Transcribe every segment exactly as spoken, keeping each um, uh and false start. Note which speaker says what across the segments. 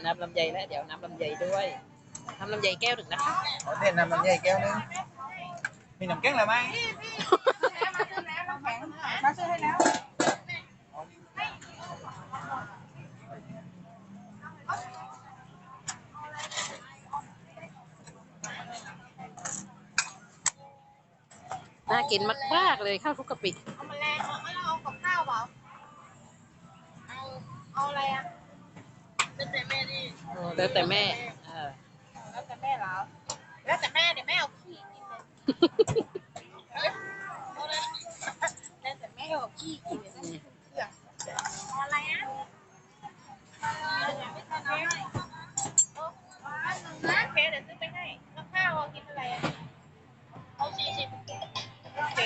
Speaker 1: น้ำลำไยแล้วเดี๋ยวน้ำลำไยด้วยน้ำลำไยแก้วหนึ่งนะคะ
Speaker 2: ขอเต้นน้ำลำไยแก้วนึงมีน้ำแข็งหรือไม่มาซื้อให้แล้ว
Speaker 1: น่ากินมากๆเลยข้าวคลุกกะปิ
Speaker 3: เอามาแรงเอาไม่เอากับข้าวเปล่าเอาเอาอะไรอ่ะแล้วแต่แม่นี่
Speaker 1: แล้วแต่แม่เออ
Speaker 3: แล้วแต่แม่เหรอแล้วแต่แม่เนี่ยแม่เอาขี้กินเลยแล้วแต่แม่เอาขี้กินเลยเอาอะไรอ่ะไม่ใช่น้ำให้โอเคเดี๋ยวซื้อไปให้แล้วข้าวกินอะไรอ่ะเอาสี่สิบโอเค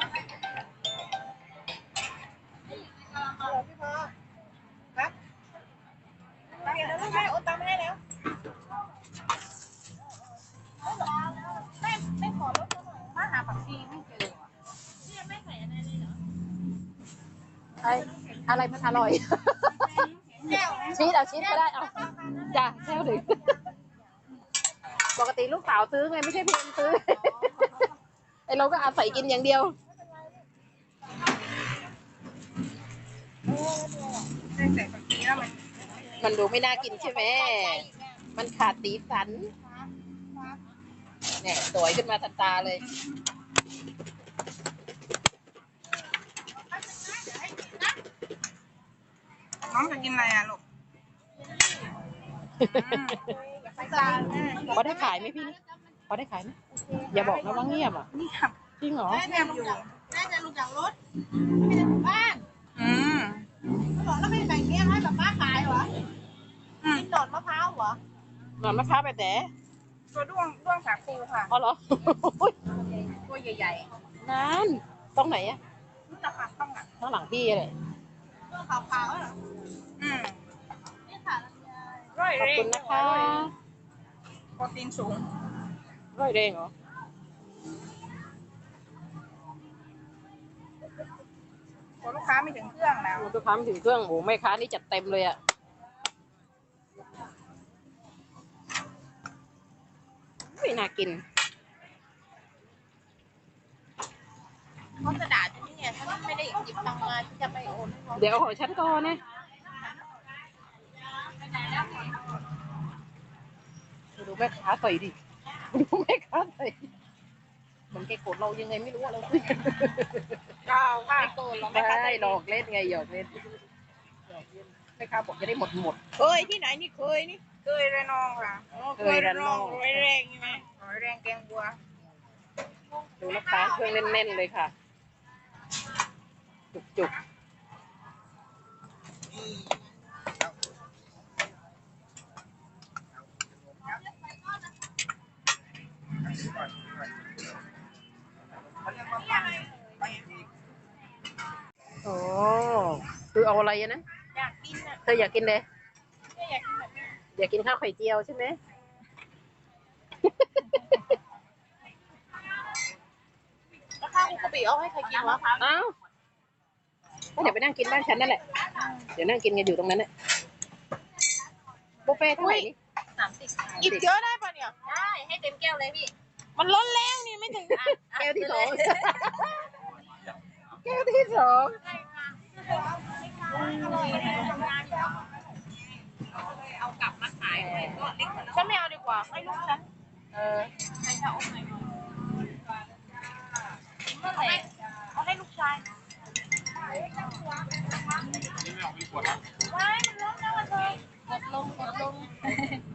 Speaker 3: เอาพี่พอครับเดี๋ยวลูกแม่โอนตังค์ให้แล้วแม่แม่ขอรถหน่อยมาหาผักชีไม่เจอเนี่ยแม่ใส่อะไรเลยเหรอ
Speaker 1: ไออะไรมันอร่อยชีสเอาชีสก็ได้เอาจ้ะแค่ถึงปกติลูกสาวซื้อไงไม่ใช่เพียงซื้อไอเราก็อาศัยกินอย่างเดียวมันดูไม่น่ากินใช่ไหมมันขาดสีสันเนี่ยสวยขึ้นมาทันตาเลย
Speaker 2: น้องจะกินอะไรอ่ะลูก
Speaker 1: พอได้ขายไหมพี่พอได้ขายไหมอย่าบอกนะว่าเงียบอ่ะจริงเหรอ
Speaker 3: แม่อยู่แม่จะลงจากรถไม่ได้ถึงบ้าน
Speaker 2: อืม
Speaker 3: เขาบอกแล้วไม่ใส่เงี้ยให้แบบป้าขายเหรอกินหนอนมะพร้าวเหรอ
Speaker 1: หนอนมะพร้าวไปแต่
Speaker 2: ตัวด้วงด้วงสาคูค่ะ
Speaker 1: อ๋อเหรอ
Speaker 3: ตัวใหญ่
Speaker 1: ๆนั่นตรงไหนอะ
Speaker 3: รู้จักค่ะต้องอ่ะ
Speaker 1: ข้างหลังพี่เลย
Speaker 3: ตัวขาวๆเหรอ
Speaker 2: อืม
Speaker 3: นี่ค่ะ
Speaker 1: ขอบคุณนะคะ
Speaker 2: โปรตีนสูง
Speaker 1: ร้อยเร่งเหรอ
Speaker 2: ลูกค้าไม่ถึงเครื่องแล้ว
Speaker 1: ลูกค้าไม่ถึงเครื่องโอ้แม่ค้านี่จัดเต็มเลยอะไม่น่ากิน
Speaker 3: เขาจะด่าฉันนี่ไงฉันไม่ได้หยิบตังค์มาฉันจะไปโอน
Speaker 1: เดี๋ยวขอฉันก่อนนะดูแม่ค้าใส่ดิดูแม่ค้าใส่เหมือนแกโกรธเรายังไงไม่รู้เราคุยกัน
Speaker 2: ก้าวค่ะ
Speaker 1: ไม่โกรธเราไม่ใช่หลอกเล่นไงหยอกเล่นแม่ค้าบอกจะได้หมดหมด
Speaker 3: เคยที่ไหนนี่เคยนี่
Speaker 2: เคยระนองค่ะ
Speaker 1: เคยระนอง
Speaker 3: ร้อยแรงใช่ไหม
Speaker 2: ร้อยแรงแกงบัว
Speaker 1: ดูลูกค้าเครื่องแน่นๆเลยค่ะจุกๆโอ้คือเอาอะไรนะ
Speaker 3: อยากกินอ่ะ
Speaker 1: เธออยากกินเลย
Speaker 3: อยากกินแบบนี้
Speaker 1: อยากกินข้าวไข่เจียวใช่ไหม
Speaker 3: แล้วข้าวคุกกะปิเอาให้ใครกินวะ
Speaker 1: อ้าวก็เดี๋ยวไปนั่งกินบ้านฉันนั่นแหละเดี๋ยวนั่งกินกันอยู่ตรงนั้นเนี่ยบุฟเฟ่เท่าไหร่นี่
Speaker 3: สามสิบกินเยอะได้ป่ะเนี่ยได้ให้เต็มแก้วเลยพี่มันล้นแล้วนี่ไม่ถึง
Speaker 1: แก้วที่สองแก้วที่สอง
Speaker 3: เอากลับมาขายก็เล็กฉันไม่เอาดีกว่าให้ลูกฉัน
Speaker 1: เออ
Speaker 3: ให้ชาอมหน่อยนั่นแหละเอาให้ลูกชายไม่มันล้นแล้วเธอกดลงกดลง